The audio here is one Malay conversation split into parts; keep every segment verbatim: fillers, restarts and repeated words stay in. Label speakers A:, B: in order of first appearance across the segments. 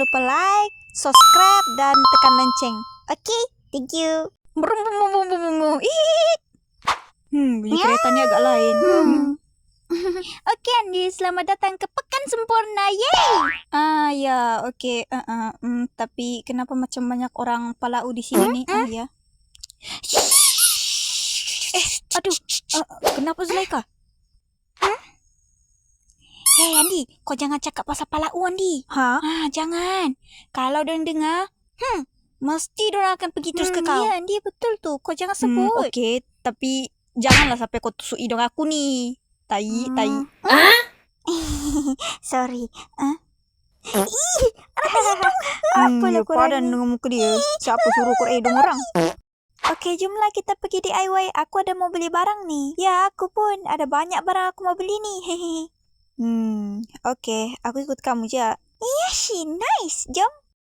A: lupa like, subscribe, dan tekan lonceng. Okay, thank you. Brum, brum, brum, brum, brum, brum. Ih. Hmm, bunyi kereta ni agak lain. Hmm. Okey Andi, selamat datang ke Pekan Sempurna. Yeay! Ah ya, okey. Uh, uh, um, tapi kenapa macam banyak orang Palau di sini ni? Ah ya. Eh, aduh. Uh, kenapa Zulaika? Huh? Hei Andi, kau jangan cakap pasal Palau Andi. Ha? Ah, jangan. Kalau dia dengar, hmm, mesti dia akan pergi terus hmm, ke kau. Ya Andi, betul tu. Kau jangan sebut. Hmm, okey, tapi janganlah sampai kau tusuk hidung aku ni. Tai, hmm. tai. Ah? Sorry. Ah? Ih, ada hidung. Apa lah korang padan dengan muka dia. Siapa suruh korang hidung orang? Okey, jomlah kita pergi D I Y. Aku ada mau beli barang ni. Ya, aku pun ada banyak barang aku mau beli ni. Hehe. Hmm, okey. Aku ikut kamu je. Iya, she nice. Jom.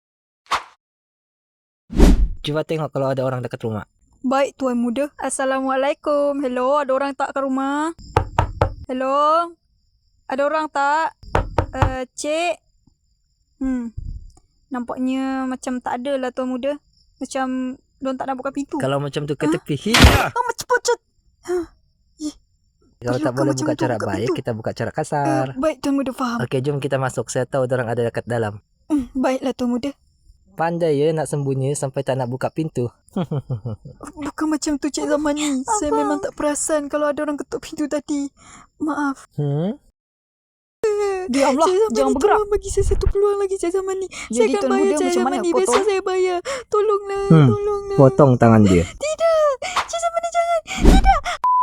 B: Cuba tengok kalau ada orang dekat rumah.
A: Baik, Tuan Muda. Assalamualaikum. Hello, ada orang tak kat rumah? Hello? Ada orang tak? Uh, Cik? Hmm. Nampaknya macam tak ada lah Tuan Muda. Macam diorang tak nak buka pintu.
B: Kalau macam tu ke tepi.
A: Huh? Hiya! Oh, macam pocut. Huh.
B: Kalau tak boleh buka cara baik, pintu. Kita buka cara kasar.
A: Uh, baik, Tuan Muda faham.
B: Okey, jom kita masuk. Saya tahu orang ada dekat dalam.
A: Hmm, baiklah Tuan Muda.
B: Pandai ya nak sembunyi sampai tak nak buka pintu.
A: Bukan macam tu Cik Zaman ni. Saya memang tak perasan kalau ada orang ketuk pintu tadi. Maaf. Hmm? Diamlah, jangan bergerak. Tolong bagi saya satu peluang lagi Cik Zaman ni. Saya akan bayar Cik Zaman ni. Besok saya bayar. Tolonglah, hmm. tolonglah.
B: Potong tangan dia.
A: Tidak. Cik Zaman ni jangan. Tidak.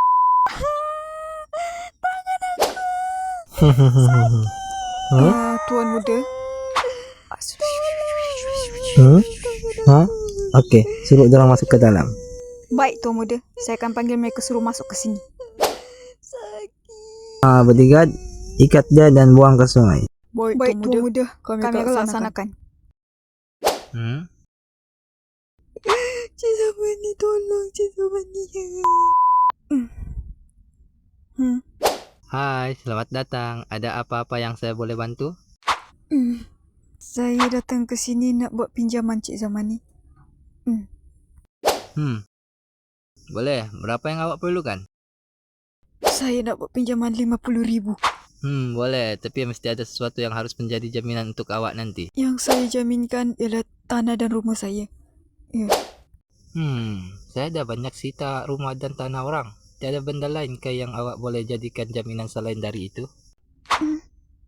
A: Tangan aku. Sakit. Huh? Uh, Tuan Muda.
B: Hmm? Ha? Okey, suruh orang masuk ke dalam.
A: Baik Tuan Muda, saya akan panggil mereka suruh masuk ke sini. Sakit.
B: Ah, bodyguard, ikat dia dan buang ke sungai.
A: Baik, Baik Tuan, Tuan Muda, kami, kami akan laksanakan. Hmm? Cik Zaman ni tolong, Cik Zaman ni.
B: Hmm. Hai, selamat datang. Ada apa-apa yang saya boleh bantu?
A: Hmm. Saya datang ke sini nak buat pinjaman Cik Zaman ni. Hmm.
B: Hmm. Boleh. Berapa yang awak perlukan?
A: Saya nak buat pinjaman lima puluh ribu.
B: Hmm, boleh. Tapi mesti ada sesuatu yang harus menjadi jaminan untuk awak nanti.
A: Yang saya jaminkan ialah tanah dan rumah saya. Ya.
B: Hmm, saya ada banyak sita rumah dan tanah orang. Tiada benda lain ke yang awak boleh jadikan jaminan selain dari itu?
A: Hmm.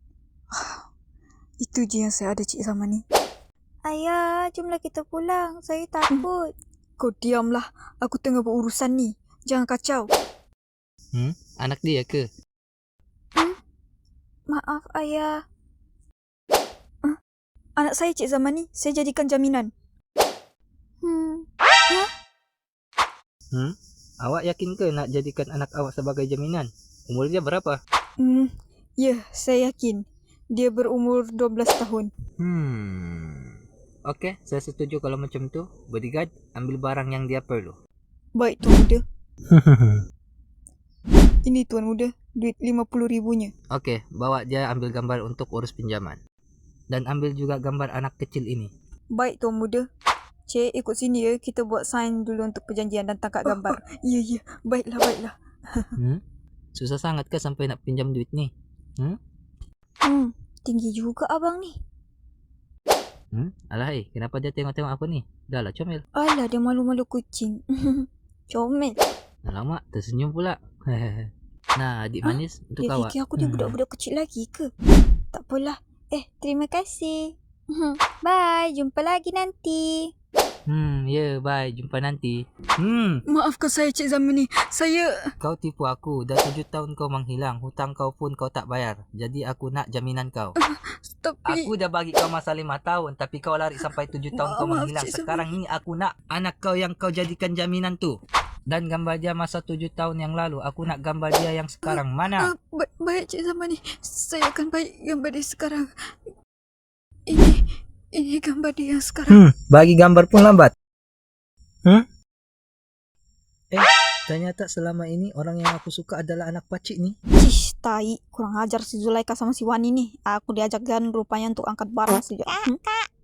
A: Itu je yang saya ada Cik Zaman ni. Ayah, jomlah kita pulang. Saya takut. Hmm. Kau diamlah. Aku tengah berurusan ni. Jangan kacau.
B: Hmm? Anak dia ke?
A: Hmm? Maaf, Ayah. Huh? Anak saya Cik Zaman ni. Saya jadikan jaminan. Hmm. Hah?
B: Hmm? Awak yakin ke nak jadikan anak awak sebagai jaminan? Umur dia berapa?
A: Hmm. Ya, saya yakin. Dia berumur dua belas tahun.
B: Hmm. Okey, saya setuju kalau macam tu. Bodyguard, ambil barang yang dia perlu.
A: Baik, Tuan Muda. Ini Tuan Muda, duit lima puluh ribunya.
B: Okey, bawa dia ambil gambar untuk urus pinjaman. Dan ambil juga gambar anak kecil ini.
A: Baik, Tuan Muda. Cik, ikut sini ya. Kita buat sign dulu untuk perjanjian dan tangkap gambar. Oh, oh, ya, ya. Baiklah, baiklah.
B: Hmm? Susah sangat ke sampai nak pinjam duit ni? Hmm?
A: Hmm. Tinggi juga abang ni.
B: Hmm? Alahai, kenapa dia tengok-tengok aku ni? Dah lah, comel.
A: Alah, dia malu-malu kucing. Comel.
B: Alamak, tersenyum pula. Nah, adik manis, untuk
A: dia
B: awak.
A: Dia fikir aku dia budak-budak kecil lagi ke? Tak apalah. Eh, terima kasih. Bye, jumpa lagi nanti.
B: Hmm, ya, yeah, bye. Jumpa nanti. Hmm.
A: Maafkan saya Cik Zaman ni. Saya...
B: Kau tipu aku. Dah tujuh tahun kau menghilang. Hutang kau pun kau tak bayar. Jadi aku nak jaminan kau. Uh, tapi... Aku dah bagi kau masa lima tahun. Tapi kau lari sampai tujuh tahun kau menghilang. Sekarang ni aku nak anak kau yang kau jadikan jaminan tu. Dan gambar dia masa tujuh tahun yang lalu. Aku nak gambar dia yang sekarang. Mana?
A: Uh, uh, ba- baik Cik Zaman ni. Saya akan baik gambar dia sekarang. Ini... Ini gambar dia yang sekarang.
B: Hmm, bagi gambar pun lambat. Hmm? Eh, ternyata selama ini orang yang aku suka adalah anak pacik ni.
A: Cish, tai. Kurang ajar si Zulaika sama si Wani ni. Aku diajakkan rupanya untuk angkat barang sejak. Hmm? Kak,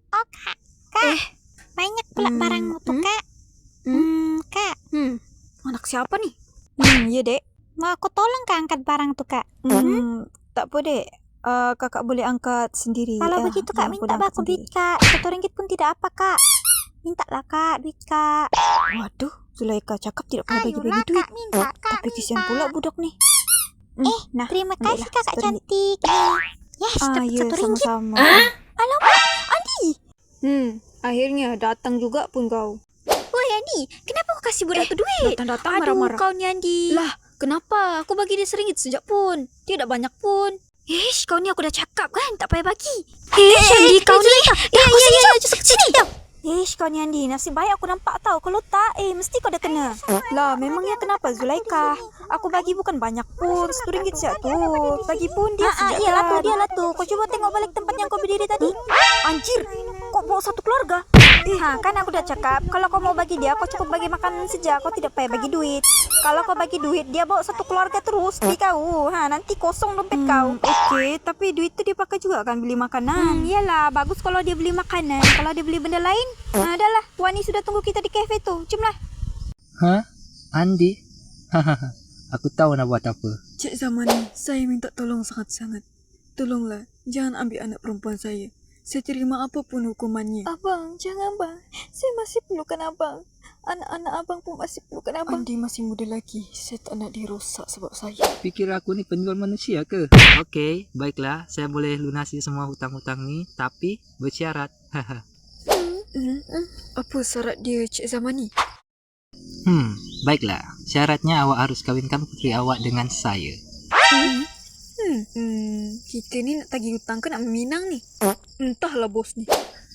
A: Oh, Kak. Kak. Eh. Banyak pula hmm. barangmu tuh, hmm? Kak. Hmm. hmm, Kak. Hmm. Anak siapa nih? Hmm, ya, Dek. Mau aku tolong Kak angkat barang tuh, Kak? Hmm. hmm tak apa, Dek. Uh, kakak boleh angkat sendiri. Kalau eh, begitu Kak, minta aku duit, Kak. Satu ringgit pun tidak apa, Kak. Mintalah, Kak, duit, Kak. Waduh, Zulaika cakap tidak pernah bagi-bagi duit. Kak, minta, Kak, tapi kesian pula budak nih. Eh, nah, terima kasih Kakak cantik. Yes, ah, dapat ya, satu ringgit. Sama-sama. Ah? Alamak, Andi. Hmm, akhirnya datang juga pun kau. Woi, Andi, kenapa kau kasih budak eh, tu duit? Datang-datang marah-marah. Aduh, kau ni Andi. Lah, kenapa? Aku bagi dia seringgit sejak pun. Tidak banyak pun. Ish, kau ni aku dah cakap kan, tak payah bagi. Eh, Andi, kau ni. Ya, ya, ya, ya, sini. Ish, kau ni Andi, nasib baik aku nampak tau. Kalau tak, eh, mesti kau dah kena. Lah, memangnya kenapa Zulaika? Aku bagi bukan banyak pun, satu ringgit siap tu. Bagi pun dia sejak. Iyalah tu, dialah tu. Kau cuba tengok balik tempat yang kau berdiri tadi. Anjir, kau bawa satu keluarga? Eh, ha, kan aku dah cakap, kalau kau mau bagi dia, kau cukup bagi makanan saja. Kau tidak payah bagi duit. Kalau kau bagi duit, dia bawa satu keluarga terus di kau. Ha, nanti kosong dompet hmm, kau. Okey, tapi duit tu dia pakai juga kan beli makanan. Hmm, iyalah, bagus kalau dia beli makanan. Kalau dia beli benda lain, ha, adalah. Wani sudah tunggu kita di kafe tu. Jomlah.
B: Hah? Andi? Hahaha. Aku tahu nak buat apa.
C: Cik Zamani, saya minta tolong sangat-sangat. Tolonglah, jangan ambil anak perempuan saya. Saya terima apapun hukumannya.
A: Abang, jangan bang. Saya masih perlukan abang. Anak-anak abang pun masih perlukan abang.
C: Andi masih muda lagi. Saya tak nak dia rosak sebab saya.
B: Fikir aku ni penjual manusia ke? Okey, baiklah. Saya boleh lunasi semua hutang-hutang ni. Tapi bersyarat. Haha.
C: hmm? Apa syarat dia, Cik Zamani?
B: Hmm, baiklah. Syaratnya awak harus kawinkan puteri awak dengan saya.
C: Hmm? Hmm, hmm, kita ni nak tagih hutang ke nak meminang ni? Entahlah bos ni.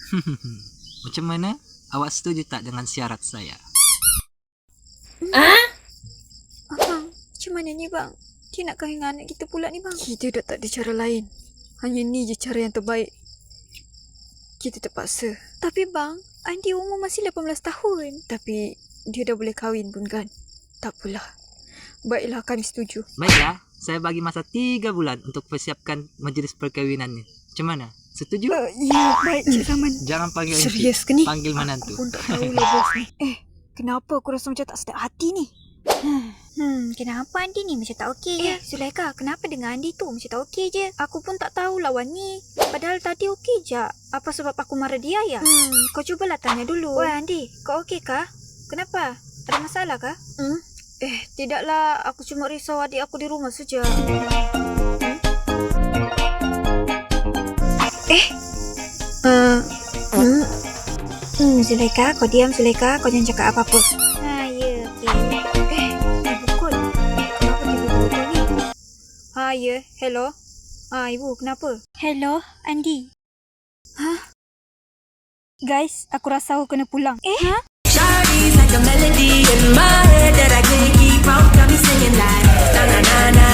B: Macam mana? Awak setuju tak dengan syarat saya?
A: Ah? Abang, macam mana ni bang? Dia nak kahwin dengan anak kita pula ni bang.
C: Kita dah tak ada cara lain. Hanya ni je cara yang terbaik. Kita terpaksa.
A: Tapi bang, Andi umur masih lapan belas tahun.
C: Tapi dia dah boleh kahwin pun kan? Tak apalah. Baiklah, kami setuju.
B: Baiklah. Saya bagi masa tiga bulan untuk persiapkan majlis perkahwinan ni. Macam mana? Setuju?
C: Uh, ya, baik Cik Zaman.
B: Jangan panggil
C: serius ke ni?
B: Panggil menantu.
C: Aku pun tak tahulah bos ni.
A: Eh, kenapa aku rasa macam tak sedap hati ni? Hmm, kenapa Andi ni macam tak okey je? Eh, Zulaika, kenapa dengan Andi tu macam tak okey je? Aku pun tak tahu lawan ni. Padahal tadi okey je. Apa sebab aku marah dia ya? Hmm, kau cubalah tanya dulu. Wah, Andi, kau okey kah? Kenapa? Ada masalah kah? Hmm? Eh, tidaklah. Aku cuma risau adik aku di rumah saja. Hmm? Eh? Uh, hmm? Hmm, Zulaika, kau diam Zulaika. Kau jangan cakap apa-apa. Ha, ya, okey. Eh, ibu kot. Kenapa tiba-tiba kau ni? Ha, ya. Hello. Ha, ibu, kenapa? Hello, Andi. Hah? Guys, aku rasa aku kena pulang. Eh? Ha? Like a melody in my head that I can't keep out, got me singing like na na na na.